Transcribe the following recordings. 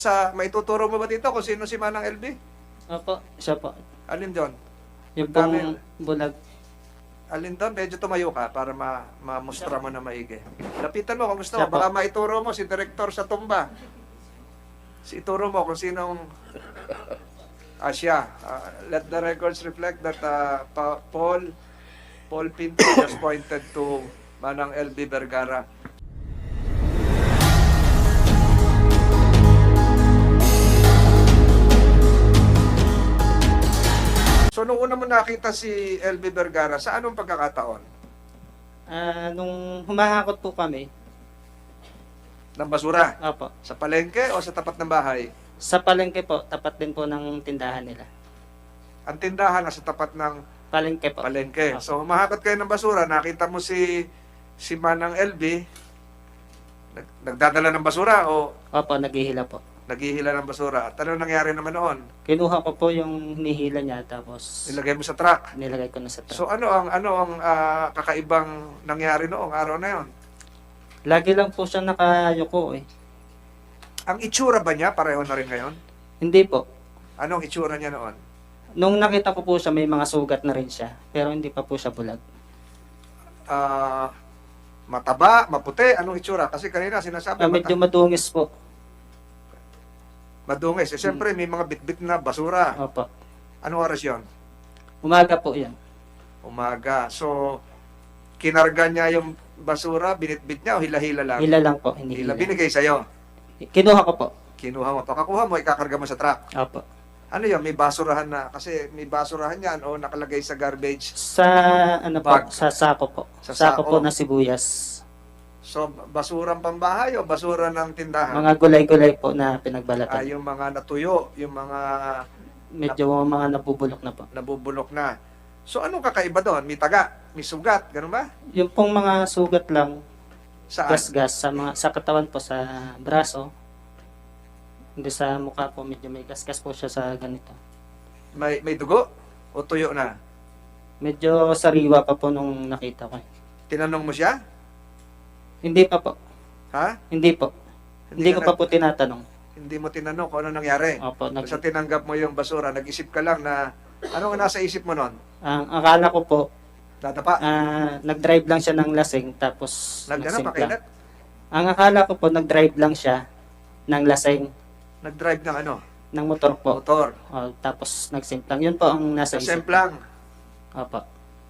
Maituturo mo ba dito kung sino si Manang LB? Opo, siya po. Alin doon? Yung Ang dami. pong bulag. Alin doon? Medyo tumayo ka para mamustra mo na maigi. Lapitan mo kung gusto mo. Siya po. Baka maituro mo si Direktor sa tumba. Ituro mo kung sinong siya. Let the records reflect that Paul Pinto just pointed to Manang LB Vergara. So, nung una mo nakita si LB Vergara, sa anong pagkakataon? Nung humahakot po kami, Ng basura? opo, Sa palengke o sa tapat ng bahay? sa palengke po, tapat din po ng tindahan nila. Ang tindahan nasa tapat ng Palengke po. palengke. Opo. So, humahakot kayo ng basura, nakita mo si Manang LB, nagdadala ng basura o Opo, naghihila po. naghihila ng basura. At ano nangyari naman noon? Kinuha ko po yung hinihila niya, tapos Nilagay mo sa truck. nilagay ko na sa truck. So, ano ang kakaibang nangyari noong araw na yon? Lagi lang po siya nakayuko eh. Ang itsura ba niya pareho na rin ngayon? Hindi po. Anong itsura niya noon? Nung nakita ko po siya, may mga sugat na rin siya. Pero hindi pa po siya bulag. Mataba, maputi, anong itsura? Kasi kanina sinasabi Medyo madungis po. madungis. Siyempre, may mga bitbit na basura. Opo. Anong oras yon? Umaga po yan. Umaga. So, kinarga niya yung basura, binitbit niya o hila-hila lang? Hila lang po, Hila. hinihila. Binigay sa'yo. Kinuha ko po. Kinuha mo. Pagkakuha mo, ikakarga mo sa truck. Opo. Ano yun? May basurahan na. Kasi may basurahan yan o nakalagay sa garbage. Sa ano po, Bag. sa sako po. Sa Sako po sako. na sibuyas. So, basurang pambahay o basura ng tindahan? Mga gulay-gulay po na pinagbalatan. Yung mga natuyo, yung mga Medyo mga nabubulok na po. nabubulok na. So, anong kakaiba doon? May taga, may sugat, ganun ba? Yung pong mga sugat lang, Saan? gas-gas sa katawan po, sa braso. Hindi sa mukha po, medyo may gas-gas po siya sa ganito. May dugo? O tuyo na? Medyo sariwa pa po nung nakita ko. Tinanong mo siya? Hindi pa po. Ha? Hindi po. Hindi ko ka pa po tinatanong. Hindi mo tinanong kung ano nangyari. Opo, Basta tinanggap mo yung basura, nag-isip ka lang na, ano ang nasa isip mo nun? ang akala ko po, Dadapa? nag-drive lang siya ng lasing, tapos Nagdana pa nagsimplang. kailan? Ang akala ko po, nag-drive lang siya ng lasing, Nag-drive ng ano? ng motor po. Motor. Tapos nagsimplang. Yun po ang nasa Sa isip. semplang. Opo.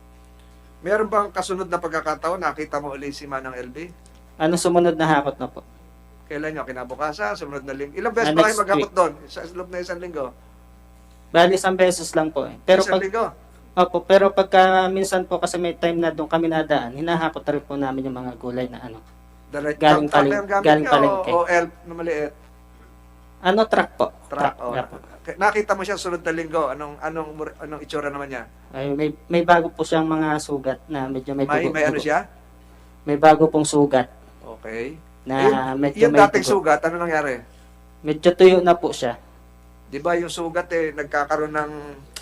Meron bang kasunod na pagkakataon, nakita mo ulit si Manang LB? Ano sumunod na hakot na po? Kailan nyo? Kinabukasan? Sumunod na linggo? Ilang beses ba kayo Next maghakot doon? Sa loob na isang linggo? Bali, isang beses lang po eh. Pero Isang pag, linggo? opo, pero pagka minsan po kasi may time na doon kami nadaan, hinahakot na rin po namin yung mga gulay na ano. Galing Galing yung gamit galing nyo palengke. o elf na maliit? Ano, truck po? Truck. Yeah po. Nakita mo siya sunod na linggo. Anong itsura naman niya? Ay, may bago po siyang mga sugat na medyo may dugo. May ano siya? May bago pong sugat Okay. na medyo Yung may dating dugo. sugat, ano nangyari? Medyo tuyo na po siya. Di ba yung sugat nagkakaroon ng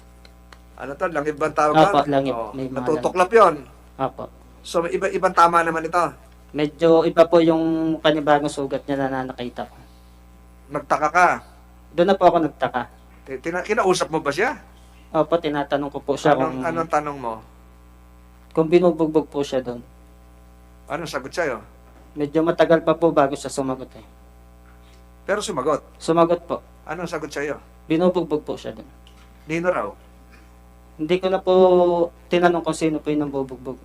ano to, langib bang tawag Opo, doon? langib. Oo. May mga Natutuklap yon. Opo. So, ibang tama naman ito. Medyo iba po yung panibagong sugat niya na nakita ko. Nagtaka ka. Doon na po ako nagtaka. Kinausap mo ba siya? Opo, tinatanong ko po siya Anong tanong mo? kung binubugbog po siya doon. Anong sagot sa'yo? Medyo matagal pa po bago siya sumagot eh. Pero sumagot. Sumagot po. Anong sagot sa'yo? Binubugbog po siya doon. Nino raw. Hindi ko na po tinanong kung sino po yung nambubugbog.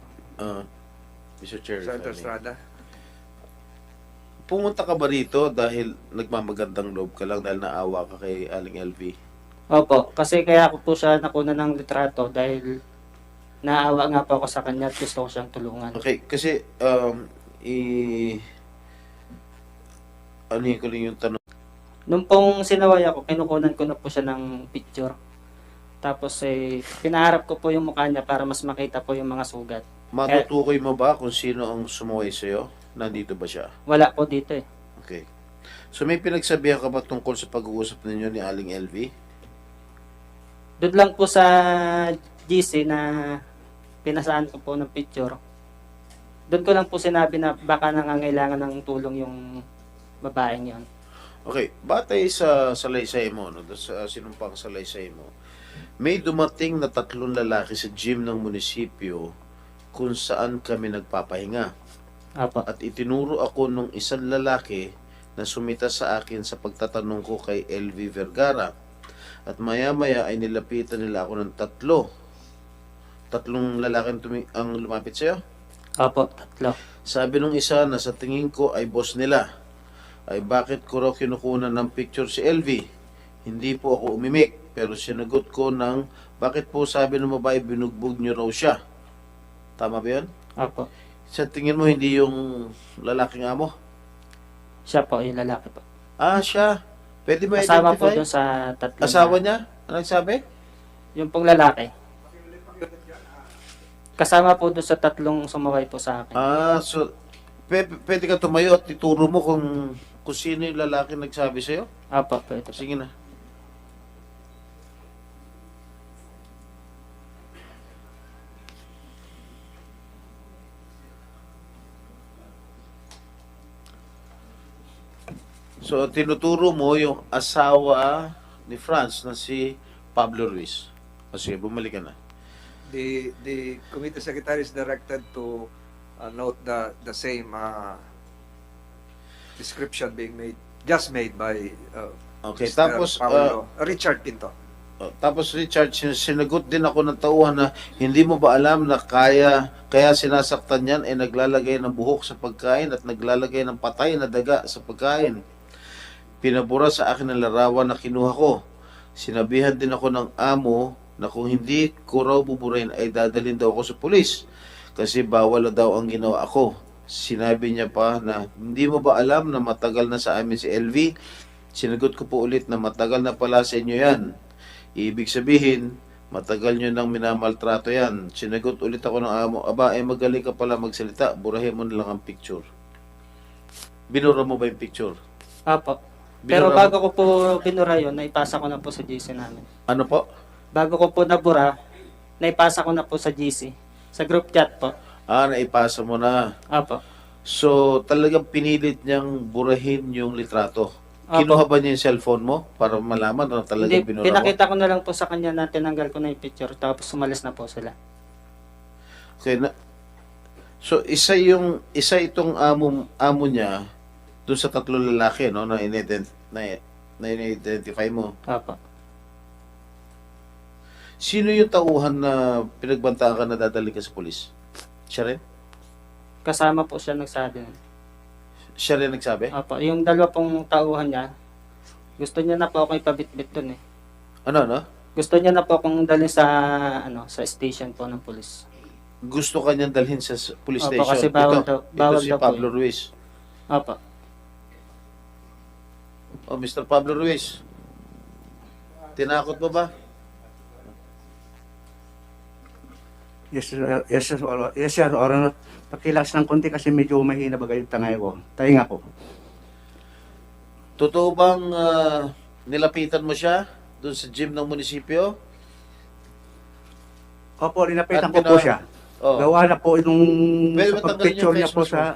Mr. Chair, Senator if I may. Estrada. Pumunta ka ba rito dahil nagmamagandang loob ka lang dahil naawa ka kay Aling LV? Opo, kasi kaya ako po siya nakuna ng litrato dahil naawa nga po ako sa kanya at gusto ko siyang tulungan. Okay, kasi ano ko lang yung tanong. Nung pong sinaway ako, kinukunan ko na po siya ng picture. Tapos pinaharap ko po yung mukha niya para mas makita po yung mga sugat. Matutukoy mo ba kung sino ang sumaway sa'yo? Nandito ba siya? Wala po dito eh. Okay. So may pinagsabihan ka ba tungkol sa pag-uusap ninyo ni Aling LV? Doon lang po sa GC na pinasaan ko po ng picture. Doon ko lang po sinabi na baka nangangailangan ng tulong yung babaeng yon. Okay, batay sa salaysay mo, no, sa sinumpang salaysay mo, may dumating na 3 lalaki sa gym ng munisipyo kung saan kami nagpapahinga. Apo. At itinuro ako nung isang lalaki na sumita sa akin sa pagtatanong ko kay LV Vergara. At maya-maya ay nilapitan nila ako ng 3 lalaki ang lumapit sa'yo. Apo, 3. Sabi nung isa na sa tingin ko ay boss nila, ay bakit ko raw kinukunan ng picture si LV? Hindi po ako umimik, pero sinagot ko ng bakit po sabi ng babae binugbog niyo raw siya. Tama ba yun? Apo. Sa tingin mo hindi yung lalaking amo? Siya po, yung lalaki po. Ah, siya. Pwede ba Kasama po identify? dun sa 3. Asawa niya? Ano nagsabi? Yung pong lalaki. Kasama po dun sa 3 sumaway po sa akin. Ah, so pwede ka tumayo at ituro mo kung sino yung lalaki nagsabi sa'yo? Apo, pwede po. Sige na. So, tinuturo mo yung asawa ni Franz na si Pablo Ruiz. O sige, bumalik ka na. The committee secretary is directed to note the same description being made, just made by Okay, Mr. tapos, Paolo, Richard Pinto. tapos Richard, sinagot din ako ng tauhan na hindi mo ba alam na kaya sinasaktan yan ay naglalagay ng buhok sa pagkain at naglalagay ng patay na daga sa pagkain. Pinabura sa akin ang larawan na kinuha ko. Sinabihan din ako ng amo na kung hindi ko raw buburahin ay dadalhin daw ako sa pulis kasi bawal na daw ang ginawa ako. Sinabi niya pa na hindi mo ba alam na matagal na sa amin si LV? Sinagot ko po ulit na matagal na pala sa inyo yan. Ibig sabihin, matagal nyo nang minamaltrato yan. Sinagot ulit ako ng amo, aba, magaling ka pala magsalita, burahin mo na lang ang picture. Binura mo ba yung picture? Apo. Pero Binura bago ko po binura yun, naipasa ko na po sa GC namin. Ano po? Bago ko po nabura, naipasa ko na po sa GC. Sa group chat po. Ah, naipasa mo na. Apo. So, talagang pinilit niyang burahin yung litrato. Apo. Kinuha ba niya yung cellphone mo para malaman na talagang Hindi, binura mo? pinakita ko na lang po sa kanya na tinanggal ko na yung picture tapos sumalis na po sila. Okay, so, isa itong amo niya doon sa 3 lalaki, no, na in-identify mo. Apo. Sino yung tauhan na pinagbantaan ka na dadali ka sa pulis? Siya rin? Kasama po siya nagsabi. Siya rin nagsabi? Apo. Yung 2 pong tauhan niya, gusto niya na po akong ipabitbit dun eh. Ano? Gusto niya na po akong dalhin sa sa station po ng pulis. Gusto ka niyang dalhin sa police Opo, station. kasi bawal ito daw si po Pablo eh. Ruiz. Apo. Oh, Mr. Pablo Ruiz. Tinakot mo ba? Yes, sir. Yes, sir. Or, pakilas ng konti kasi medyo mahina bagay yung tangay ko. Tahinga ko. Totoo bang nilapitan mo siya doon sa gym ng munisipyo? Opo, linapitan At ko po siya. Oh. Gawa na po nung Pwede sa ba tanggalin pagpicture yung niya face po mask mo?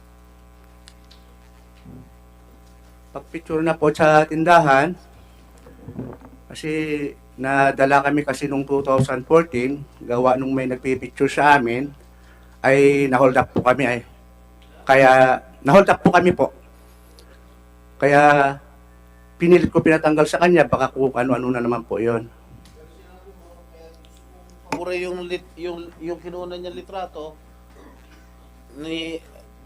pagpicture na po sa tindahan. Kasi nadala kami kasi nung 2014, gawa nung may nagpipicture sa amin, ay nahold up po kami ay. Kaya nahold up po kami po. Kaya pinilit ko pinatanggal sa kanya, baka kung ano-ano na naman po 'yon. Pura yung kinuha niya litrato ni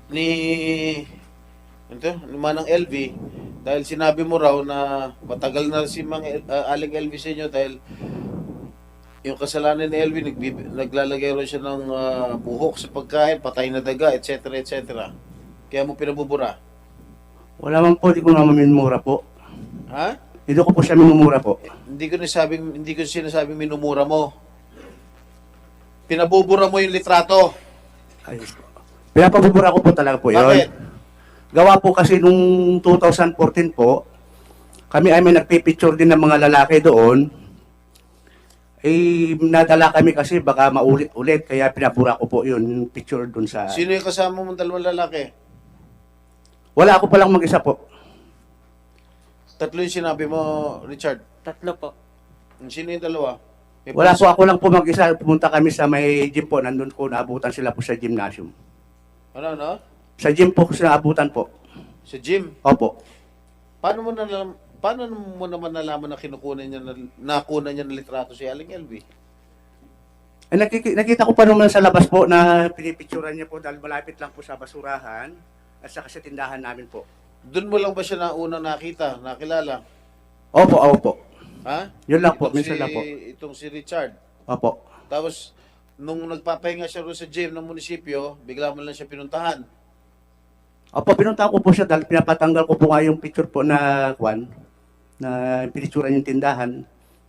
Manang LV dahil sinabi mo raw na matagal na si Aling LV sa inyo dahil yung kasalanan ni LV naglalagay raw siya ng buhok sa pagkain, patay na daga, etc. etc. Kaya mo pinabubura. Wala man po, di ko naman minumura po. Ha? Hindi ko po siya minumura po. Hindi ko sinasabing minumura mo. Pinabubura mo yung litrato. Ay, pinapabubura ko po talaga po yun. Bakit? Gawa po kasi nung 2014 po, kami ay may nagpipicture din ng mga lalaki doon. Eh, nadala kami kasi baka maulit-ulit, kaya pinabura ko po yun, yung picture doon sa... Sino yung kasama mong 2 lalaki? Wala ako palang mag-isa po. Tatlo yung sinabi mo, Richard. Tatlo po. Sino yung dalawa? May Wala pansin- po, ako lang po mag-isa. Pumunta kami sa may gym po. Nandun po, naabutan sila po sa gymnasium. Ano? Sa gym po sila abutan po. Sa gym. Opo. Paano mo naman nalaman na nakunan niya ng litrato si Aling LV? Eh, nakita ko pa naman sa labas po na pinipicturan niya po dahil malapit lang po sa basurahan at saka sa tindahan namin po. Doon mo lang ba siya unang nakilala? Opo. Ha? Yun lang po, Itong minsan lang po. Itong si Richard. Opo. Tapos, nung nagpapahinga siya roon sa gym ng munisipyo, bigla mo lang siya pinuntahan. Opo, pinuntahan ko po siya dahil pinapatanggal ko po nga yung picture po na pinicturan yung tindahan.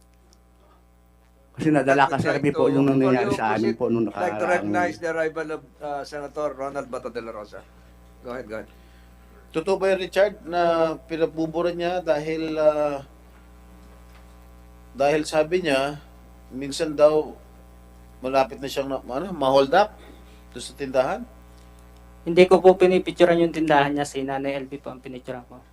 Kasi nadala kasi kami po yung nangyayari sa amin po nung I'd like to nakaraang... recognize the arrival of Senator Ronald Bato de la Rosa. Go ahead. Totoo ba yun, Richard, na pinabubura niya dahil sabi niya, minsan daw malapit na siyang ma-hold up doon sa tindahan? Hindi ko po pinipicturean yung tindahan niya, si Nanay LB po ang pinicturean ko.